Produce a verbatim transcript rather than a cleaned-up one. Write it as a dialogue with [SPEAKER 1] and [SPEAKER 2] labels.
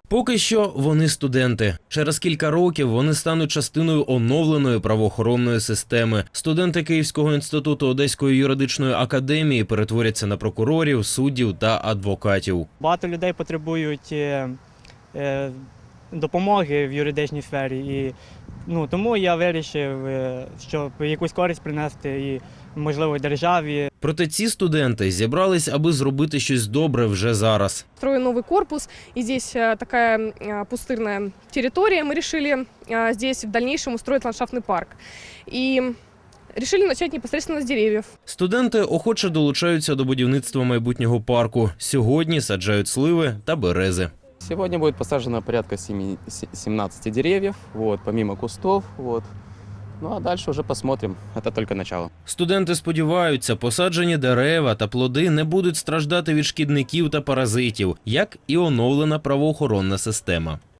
[SPEAKER 1] Поки що вони студенти. Через кілька років вони стануть частиною оновленої правоохоронної системи. Студенти Київського інституту Одеської юридичної академії перетворяться на прокурорів, суддів та адвокатів.
[SPEAKER 2] Багато людей потребують е, е, допомоги в юридичній сфері. І, ну, тому я вирішив, е, щоб якусь користь принести і, можливо, державі.
[SPEAKER 1] Проте ці студенти зібрались, аби зробити щось добре вже зараз.
[SPEAKER 3] Строю новый корпус, и здесь э, такая э, пустырная территория. Мы решили э, здесь в дальнейшем устроить ландшафтный парк. И решили начать непосредственно с деревьев.
[SPEAKER 1] Студенти охоче долучаються до будівництва майбутнього парку. Сьогодні саджають сливи та берези.
[SPEAKER 4] Сегодня будет посажено порядка семнадцати деревьев, вот, помимо кустов. Вот. Ну а дальше уже посмотрим. Это только начало.
[SPEAKER 1] Студенти сподіваються, посаджені дерева та плоди не будуть страждати від шкідників та паразитів, як і оновлена правоохоронна система.